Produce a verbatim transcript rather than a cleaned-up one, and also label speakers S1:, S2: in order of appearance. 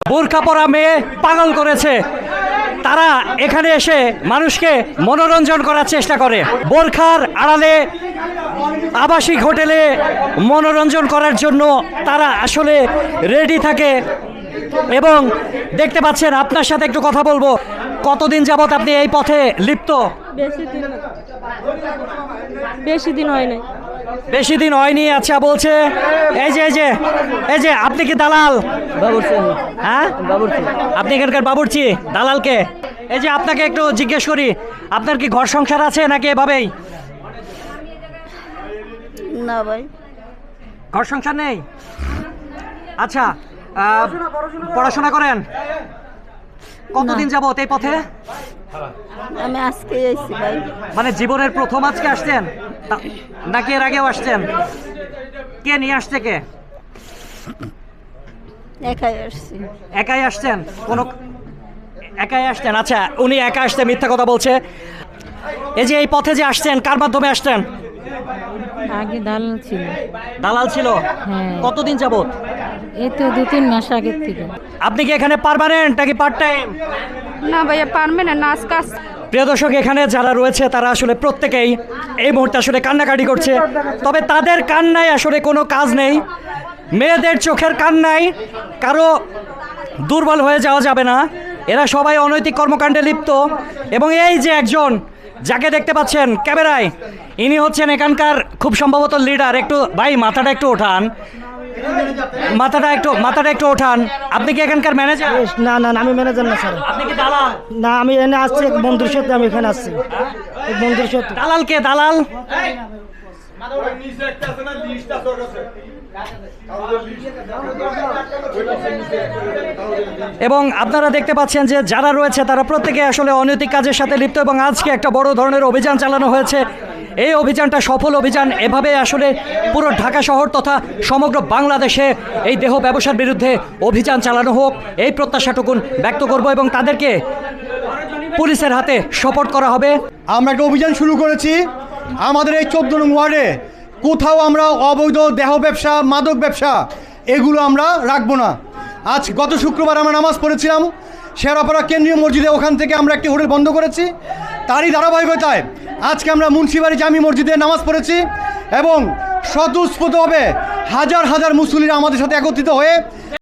S1: বোরকা পরা মেয়ে পাগল করেছে। তারা এখানে এসে মানুষকে মনোরঞ্জন করার চেষ্টা করে। বোরখার আড়ালে আবাসিক হোটেলে মনোরঞ্জন করার জন্য তারা আসলে রেডি থাকে। এবং দেখতে পাচ্ছেন, আপনার সাথে একটু কথা বলবো। কতদিন যাবত আপনি এই পথে লিপ্ত?
S2: বেশি দিন বেশি দিন হয় নাই।
S1: বেশি দিন হয়নি। আচ্ছা, বলছে এই যে এই যে এই যে আপনি কি দালাল?
S3: বাবুর্চি।
S1: হ্যাঁ,
S3: বাবুর্চি।
S1: আপনি এখানকার বাবুর্চি? দালালকে? এই যে আপনাকে একটু জিজ্ঞেস করি, আপনার কি ঘর সংসার আছে নাকি এভাবেই?
S2: না ভাই,
S1: ঘর সংসার নেই। আচ্ছা, আহ, পড়াশোনা করেন? কতদিন যাবত এই পথে?
S2: আমি আজকে এসেছি ভাই।
S1: মানে জীবনের প্রথম আজকে আসছেন তা- নাকি এর আগেও আসছেন? কে নিয়ে আসছে? কে?
S2: একাই আসছি।
S1: একাই আসছেন? কোনো একাই আসছেন? আচ্ছা, উনি একা আসতে মিথ্যা কথা বলছে। এই যে এই পথে যে আসছেন, কার মাধ্যমে আসছেন?
S4: আগে দালাল ছিল।
S1: দালাল ছিল?
S4: হ্যাঁ।
S1: কতদিন যাবত?
S4: এই তো দু তিন মাস আগের থেকে।
S1: আপনি কি এখানে পার্মানেন্ট নাকি পার্ট টাইম?
S2: না ভাইয়া, পারবে না, নাচ কাজ।
S1: প্রিয় দর্শক, এখানে যারা রয়েছে তারা আসলে প্রত্যেকেই এই মুহূর্তে আসলে কান্নাকাটি করছে। তবে তাদের কান্নায় আসলে কোনো কাজ নেই। মেয়েদের চোখের কান্নায় কারো দুর্বল হয়ে যাওয়া যাবে না। এরা সবাই অনৈতিক কর্মকাণ্ডে লিপ্ত। এবং এই যে একজন যাকে দেখতে পাচ্ছেন ক্যামেরায়, ইনি হচ্ছেন এখানকার খুব সম্ভবত লিডার। একটু ভাই মাথাটা একটু ওঠান, মাথাটা একটু মাথাটা একটু ওঠান। আপনি কি এখানকার ম্যানেজার?
S3: না না না, আমি ম্যানেজার না স্যার।
S1: আপনি কি দালাল?
S3: না, আমি এখানে আসছি এক বন্ধুর সাথে। আমি এখানে আসছি এক বন্ধুর সাথে।
S1: দালাল কে? দালাল এবং আপনারা দেখতে পাচ্ছেন যে যারা রয়েছে তারা প্রত্যেকে আসলে অনৈতিক কাজের সাথে লিপ্ত। এবং আজকে একটা বড় ধরনের অভিযান চালানো হয়েছে। এই অভিযানটা সফল অভিযান। এভাবে আসলে পুরো ঢাকা শহর তথা সমগ্র বাংলাদেশে এই দেহ ব্যবসার বিরুদ্ধে অভিযান চালানো হোক, এই প্রত্যাশাটুকুন ব্যক্ত করব। এবং তাদেরকে পুলিশের হাতে সোপর্দ করা হবে।
S5: আমরা একটা অভিযান শুরু করেছি আমাদের এই চোদ্দ নং ওয়ার্ডে। কোথাও আমরা অবৈধ দেহ ব্যবসা, মাদক ব্যবসা এগুলো আমরা রাখবো না। আজ গত শুক্রবার আমরা নামাজ পড়েছিলাম শেরাপাড়া কেন্দ্রীয় মসজিদে। ওখান থেকে আমরা একটি হোটেল বন্ধ করেছি। তারই ধারাবাহিকতায় আজকে আমরা মুন্সিবাড়ি জামি মসজিদে নামাজ পড়েছি এবং স্বতঃস্ফূর্তভাবে হাজার হাজার মুসল্লিরা আমাদের সাথে একত্রিত হয়ে